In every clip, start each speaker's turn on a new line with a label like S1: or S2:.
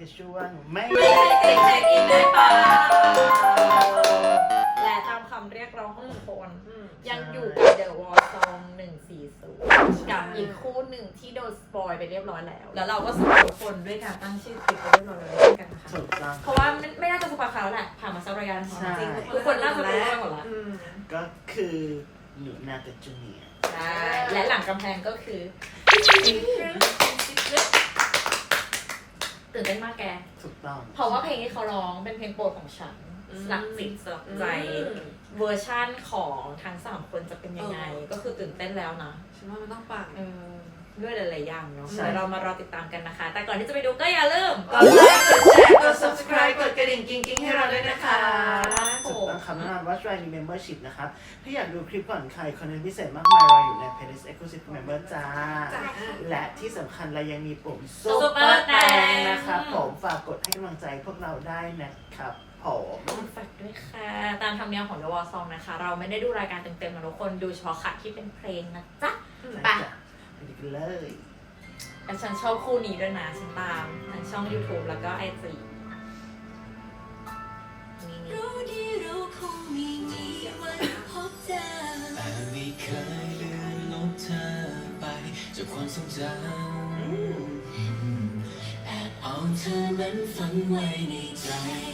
S1: กับช่วงไม่
S2: ติดเช็คอินได้เปล่าและตามคำเรียกร้องของทุกคนยังอยู่กับ The War Song 140กับอีกคู่หนึ่งที่โดนสปอยไปเรียบร้อยแล้วแล้วเราก็สปอยทุกคนด้วยการตั้งชื่อคลิปไปเรียบร้อยแล้วเช่นกันนะคะเพราะว่าไม่น่าจะสปอยเขาแหละผ่านมาสักระยะจริงทุกคนน่าจะรู้กันหมดแล้ว
S1: ก็คือหนูนากับจูเนียร์
S2: ใช่และหลังกำแพงก็คือตื่นเต้นมากแก
S1: ถูกต้อง
S2: เพราะว่าเพลงที่เขาร้องเป็นเพลงโปรดของฉันสลักจิตสลักใจเวอร์ชั่นของทั้ง3คนจะเป็นยังไงก็คือตื่นเต้นแล้วนะ
S3: ฉันว่ามันต้องปัง
S2: ด้วยหลายๆอย่างเนาะเดี๋ยวเรามารอติดตามกันนะคะแต่ก่อนที่จะไปดูก็อย่าลืม
S1: กดไลค์กดแชร์กด subscribe กดกระดิ่งกิ๊งๆให้เราด้วยนะคะถูกต้องคำแนะนำว่า Try Membership นะครับถ้าอยากดูคลิปก่อนใครคอนเทนต์พิเศษมากมายรออยู่ใน Playlist Exclusive Member จ้าและที่สำคัญเรายังมีปุ่ม Super แตงนะครับผมฝากกดให้กำลังใจพวกเราได้นะครับ
S2: ฝากด้วยค่ะตามธรรมเนียมของ The War Song นะคะเราไม่ได้ดูรายการเต็มๆนะทุกคนดูเฉพาะค่ะที่เป็นเพลงนะจ๊ะไป
S1: กันเลย
S2: แต่ฉันชอบคู่นี้ด้วยนะฉันตามทั้งช่อง YouTube แล้วก็ IG
S4: รู้ดีเราคงไม่มีวันพบเจอแต่ไม่เคยเลือนลบเธอไปจากความทรงจำแอบเอาเธอนั้นฝังไว้ในใจ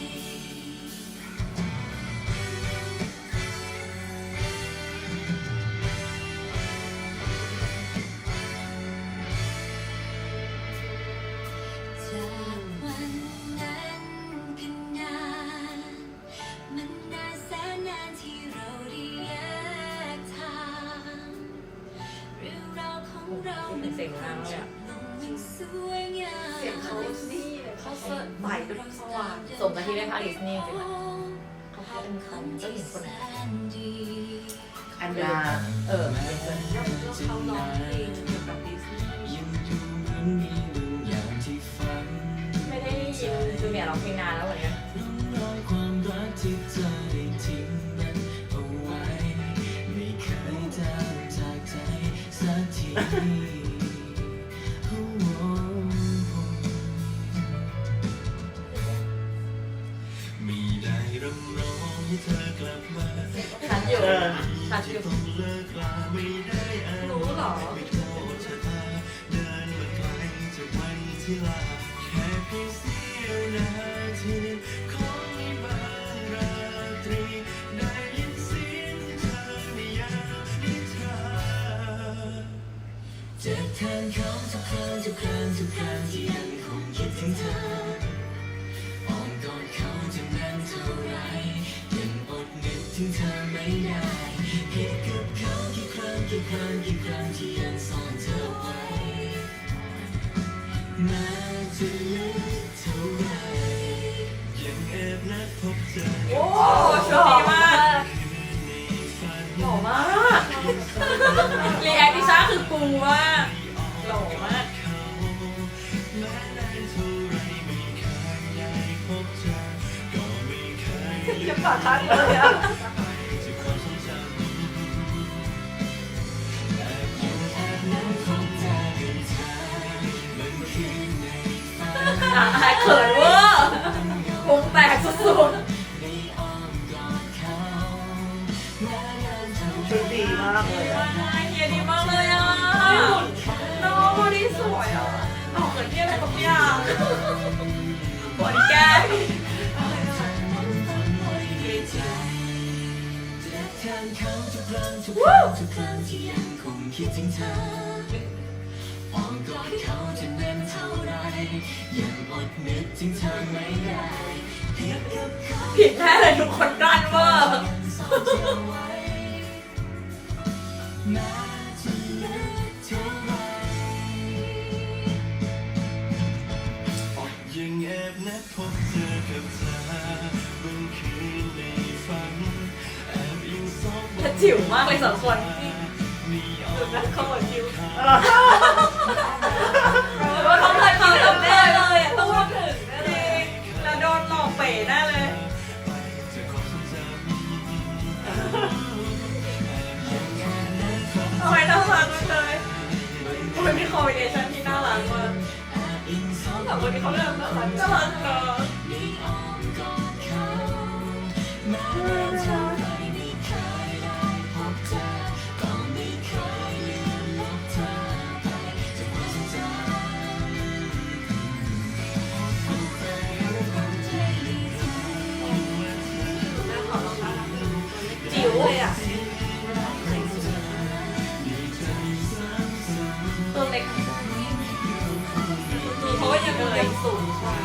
S2: เสียงนางเลยอะ
S3: เสียงเขานี่เขาเสิร์ฟใส่ด้วยสว่าง
S2: สมกับที่ได้พาดิสนีย์จริงๆเขาพาเป็นเขาเจ้าหญิงคนไหน
S1: อันดา
S3: แล้วเขาร้องเพลงเกี่ยวกับดิสนีย์
S2: ไม่ได้ยินจูเนียร์ร้องเพลงนานแล้ววันนี้ชัดอยู่
S3: รู้หรอ
S4: จะแทนเขาทุกครั้งที่ยังคงคิดถึงเธออ้อมกอดเขาจะนานเท่าไรยังอดนึกถึงเธอไม่ได้คิดกับเขากี่ครั้งที่ยังซ่อนเธอไว้แม้จะลึกเท่าไรยังแอบนัดพบเธอ
S2: โอ้โชคดีมากหล่อมากรีแอคที่ช้าคือปูว่าหล่อมาก
S3: จะปากทันเลยอ่ะ
S2: เขินเวอร์พุงแตกสุด
S1: ชุดดีมากเลยอะ
S2: เฮียดีมากเลยอ่ะน้องบอดี้สวยอ่ะออกเหมือนที่อะไรบางอย่างบอดี้แก้
S4: วู้ทุกครั้งที่ยังคงคิดถึงเธออ้อมกอดเขาจะแน่นเท่าไรยังอดนึกถึงเธอไม่ได้
S2: ผิดแน่เลยทุกคนกลั้นเวอร์
S4: ยังแอบนัดพบเธอกับเธอบางคืนในฝันแอบอิงซอก
S2: ถ้าจิ๋วมากเลยสองคนดูนะเขาเหมือนจิ๋วว่าเขาเคยมาต้องแน่เลยอ่ะต้องมาถึงแน่เลยแล้วโดนหลอกเป๋แน่เลยทำไมน่ารักเลยทำไมมีคอมบิเนชั่นที่น่ารักมาก
S4: ยิ่งสอง
S3: แต่วันนี้เขาเริ่มน่ารัก
S2: น่ารักเนอะ
S4: ได้อ้อมกอดเขาแม้นานเท่าไรไม่เคยได้พบเธอก็ไม่เคยลืมลบเธอไปจากความทรงจำ
S3: จิ๋วเลยอ่ะ
S2: ตัวเล็ก
S3: เพราะว่ายังสูงกว่า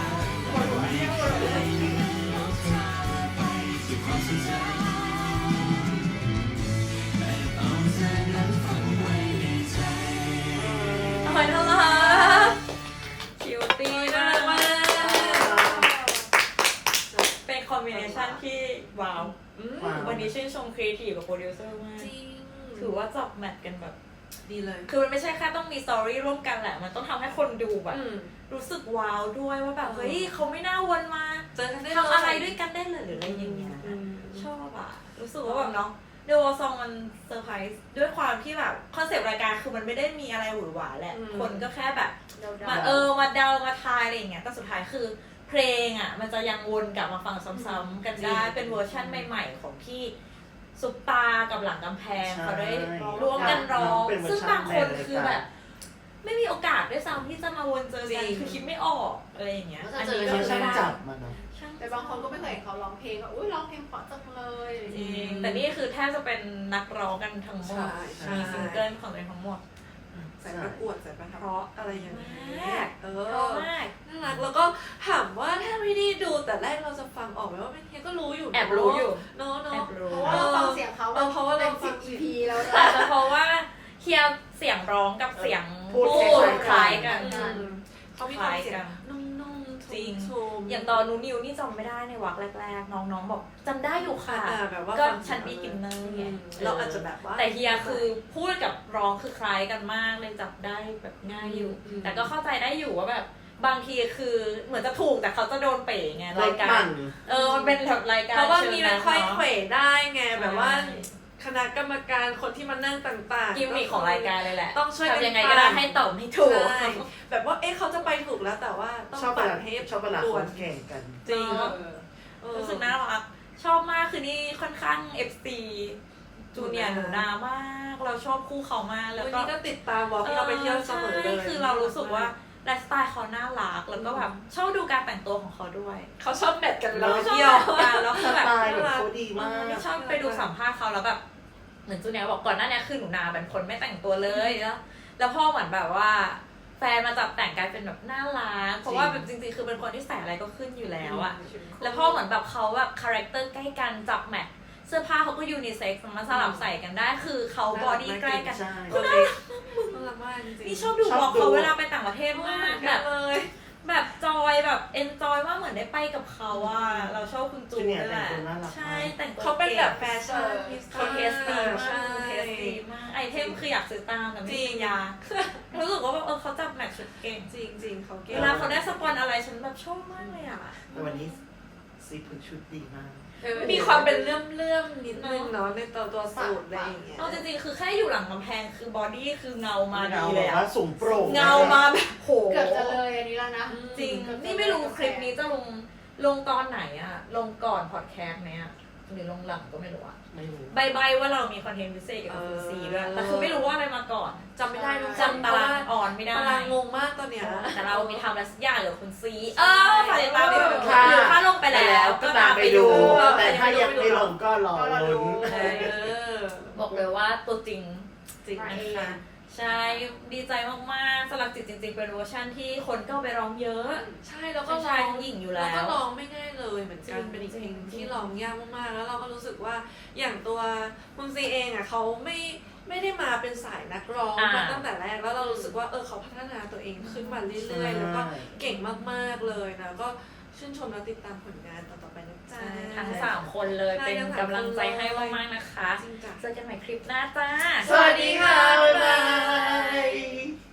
S2: ทำไมน่ารักคิวตี้มากมากเป็นคอมบิเนชันที่ว้าว
S1: ว้าว
S2: วันนี้ชื่นชมครีเอทีฟกับโปรดิวเซอร์มาก
S3: จริง
S2: ถือว่าจับแมทกันแบบ
S3: ดีเลย
S2: คือมันไม่ใช่แค่ต้องมีสตอรี่ร่วมกันแหละ มันต้องทำให้คนดูแบบ รู้สึกว้าวด้วยว่าแบบ เฮ้ยเขาไม่น่าวนมา
S3: เจอกันได้
S2: ทำอะไรด้วยกันได้เลยหรืออะไรอย่างเงี้ย ชอบอะรู้สึกว่าแบบเนาะเดวอซองมันเซอร์ไพรส์ด้วยความที่แบบคอนเซปต์รายการคือมันไม่ได้มีอะไรหวือหวาแหละ คนก็แค่แบบมามาเดามาทายอะไรอย่างเงี้ยแต่สุดท้ายคือเพลงอะมันจะยังวนกลับมาฟังซ้ำๆกันได้เป็นเวอร์ชั่นใหม่ๆของที่ซุปตากับหลังกำแพงเขาได้ร่วมกันร้องซึ่งบางคนคือแบบ ไม่มีโอกาสด้วยซ้ำที่จะมาวนเจอกันคือคิดไม่ออกอะไรอย่างเงี้ยอันนี้
S1: เขา
S2: ก็
S1: ช่าง
S2: ได้
S1: จับมันเนาะ
S5: แต่บางคนก็ไม่เคยเห็นเขาร้องเพลงก็อุ้ยร้องเพลงเพราะจังเลย
S2: จริงแต่นี่คือแทบจะเป็นนักร้องกันทั้งหมด
S3: ใช่
S2: มีซิงเกิลของตัวเองทั้งหมด
S3: ใส่ประกวดใส่ประทับอะไรอย่างนี้
S2: มาก
S3: เอ
S2: เพราะ
S3: อ
S2: มาก
S3: น่ารักแล้วก็ถามว่าถ้าไม่ได้ดูแต่แรกเราจะฟังออกไหมว่าเป็นเฮียก็รู้อยู่
S2: แอบรู้อยู่
S3: เนาะ
S2: แอ
S3: เนาะ
S2: บรู้
S5: เพราะว่าเราฟังเสียงเขา
S3: เพราะว่าเราฟั
S5: สิ
S3: ง
S5: บ EP แล้ว
S2: อาจจะเพราะว่าเฮียเสียงร้องกับเสียง
S1: พูด
S2: คล้ายกัน
S3: เขามีความเสียงนุ่มๆ
S2: จริง
S3: ชุ่มๆ
S2: อย่างตอนนูนิวนี่จำไม่ได้ในวักแรกๆ น้องๆบอกจำได้อยู่ค่ะ
S3: แบบว่า
S2: ก็
S3: ฟัง
S2: ฉันมีกินเนอร์ไง
S3: เราอาจจะแบบว่า
S2: แต่เฮียคือพูดกับร้องคือคล้ายกันมากเลยจับได้แบบง่ายอยู่ แต่ก็เข้าใจได้อยู่ว่าแบบบางทีคือเหมือนจะถูกแต่เขาจะโดนเป๋ไงรายการ มันเป็นแบบรายการ
S3: เพราะว่ามี
S2: ชิง
S3: มันค่อย
S2: เนาะ
S3: เขวได้ไงแบบว่าคณะกรรมการคนที่มานั่งต่างๆ
S2: กิมมิคของรายการเลยแหละ
S3: ต้องช่วยกัน
S2: ทำยังไงก็ได้ให้ตอบให้ถูก
S3: ใช่แบบว่าเขาจะไปถูกแล้วแต่ว่าต้อง
S1: ชอบเว
S3: ปั่น
S1: ลา
S3: ให้
S1: ชอบเวลา
S3: ด่ว
S1: คน นแข่งกัน
S2: จริง
S3: รู้
S2: รู้สึกน่ารักชอบมากคือนี่ค่อนข้าง FC จูเนียร์หนูนามาก เราชอบคู่เขามากแล้ว
S3: วัน
S2: ก็
S3: นี้ก็ติดตามวอล์กที่เราไปเที่ยวเสมอเลย
S2: ใช่คือเรารู้สึกว่าไลฟ์สไตล์เขาน่ารักแล้วก็แบบชอบดูการแต่งตัวของเขาด้วย
S3: เขาชอบแมทกันเวลาไป
S2: ชอบ
S3: เที่ยว
S2: การแล้ว
S1: ส
S2: คือแบบ
S1: ไตล์แบบเขาดีมาก
S2: นี่ชอบไปดูสัมภาษณ์เขาแล้วแบบเหมือนจูเนียร์บอกก่อนหน้านี้คือหนูนาเป็นคนไม่แต่งตัวเลยแล้วพ่อเหมือนแบบว่า แฟนมาจับแต่งกลายเป็นแบบน่ารักเพราะว่าแบบจริงๆคือเป็นคนที่ใส่อะไรก็ขึ้นอยู่แล้วอะแล้วพ่อเหมือนแบบเขาแบบคาแรคเตอร์ใกล้กันจับแมทเสื้อผ้าเขาก็ยูนิเซ็กซ์มาสลับใส่กันได้คือเขาบอดี้ใกล้กัน
S1: ใช่
S3: คนเล็กน่ารักมากจริงๆ
S2: นี่ชอบดูบล็อกเขาเวลาไปต่างประเทศมากแบบ
S3: เลย
S2: แบบจอยแบบเอนจอยว่าเหมือนได้ไปกับเขาอะเราชอบคุณจู
S1: จูเนียร์
S2: ด้วยแหละ
S1: แต่งตัวน่ารักมาก
S2: ใช่แต่งตัว
S3: เขาเป็นแบบแฟชั่น
S2: เขาเทสดีมาก
S3: ใช่
S2: เทสดีมากไอเทมคืออยากซื้อตามแต่ไม่
S3: จริ
S2: มี
S3: ง
S2: ยารู้สึกว่าแบบเขาจับแมทชุดเก่ง
S3: จริงจริงๆเขาเก่ง
S2: เวลาเขาได้สปอนอะไรฉันแบบชอบมากเลยอะ
S1: แต่วันนี้ซีพุชุดดีมาก
S3: มีความเป็นเลื่อมๆนิดนึงเนาะในตัวสูตรอะไรอย่างเงี้ย
S2: เอาจริงๆคือแค่อยู่หลังกำแพงคือบอดี้คือเงามาดี
S1: เงา
S2: เล
S1: แบ
S2: ย
S1: บ
S2: อะ
S1: ว่าสูงโปร่ง
S2: เงามาแบบโห
S5: เกือบจะเลยอันนี้แล้วนะ
S2: จริงนี่ไม่รู้คลิปนี้จะลงตอนไหนอะลงก่อนพอดแคสต์ไหมอะหรือลงหลังก็ไม่รู้อะ
S1: ไม่รู้
S2: ใบว่าเรามีคอนเทนต์พิเศษเกี่ยวกับคุณซีด้วยแต่คือไม่รู้ว่าอะไรมาก่อน
S3: จำไม่ได้ทุกคน
S2: จำตารางออนไม่ได้
S3: ตารางงงมากตอนเนี้ย
S2: แต่เรามีทำอะไรสักอย่างเกี่ยวกับคุณซีฝากติดตามด้วย
S1: ค่ะ
S2: หรือถ้าลงไปแล้วก็ตามไปดู
S1: แต่ถ้ายังไม่ลงก็รอลุ้น
S2: บอกเลยว่าตัวจริง
S3: จริง
S5: มา
S3: นะ
S5: เอง
S3: คะ
S2: ใช่ดีใจมากๆสลักจิตจริงๆเป็นเวอร์ชันที่คนก็เอาไปร้องเยอะ
S3: ใช่แล้วก็
S2: ทั้งชายทั้งหญิงอยู่แล้ว
S3: ก็ร้องไม่ง่ายเลยเหมือนกัน
S2: จริง
S3: เป็นอีกเพลง
S2: จริง
S3: ที่ร้องยากมากๆแล้วเราก็รู้สึกว่าอย่างตัวคุณซีเองอ่ะเขาไม่ได้มาเป็นสายนักร้องมาตั้งแต่แรกแล้วเรารู้สึกว่าเขาพัฒนาตัวเองขึ้นมาเรื่อยๆแล้วก็เก่งมากๆเลยนะก็ชื่นชมและติดตามผลงานต่อๆไปนะจ๊ะ
S2: ทั้ง3คนเลย
S3: ใช่
S2: เป็น
S3: ทั้ง3
S2: กำลังใจให้มากๆนะคะ
S3: จริงจ้ะ
S2: เจอกันใหม่คลิปหน้าจ้า
S3: สวัสดีค่ะ บ๊ายบาย
S1: บ๊ายบาย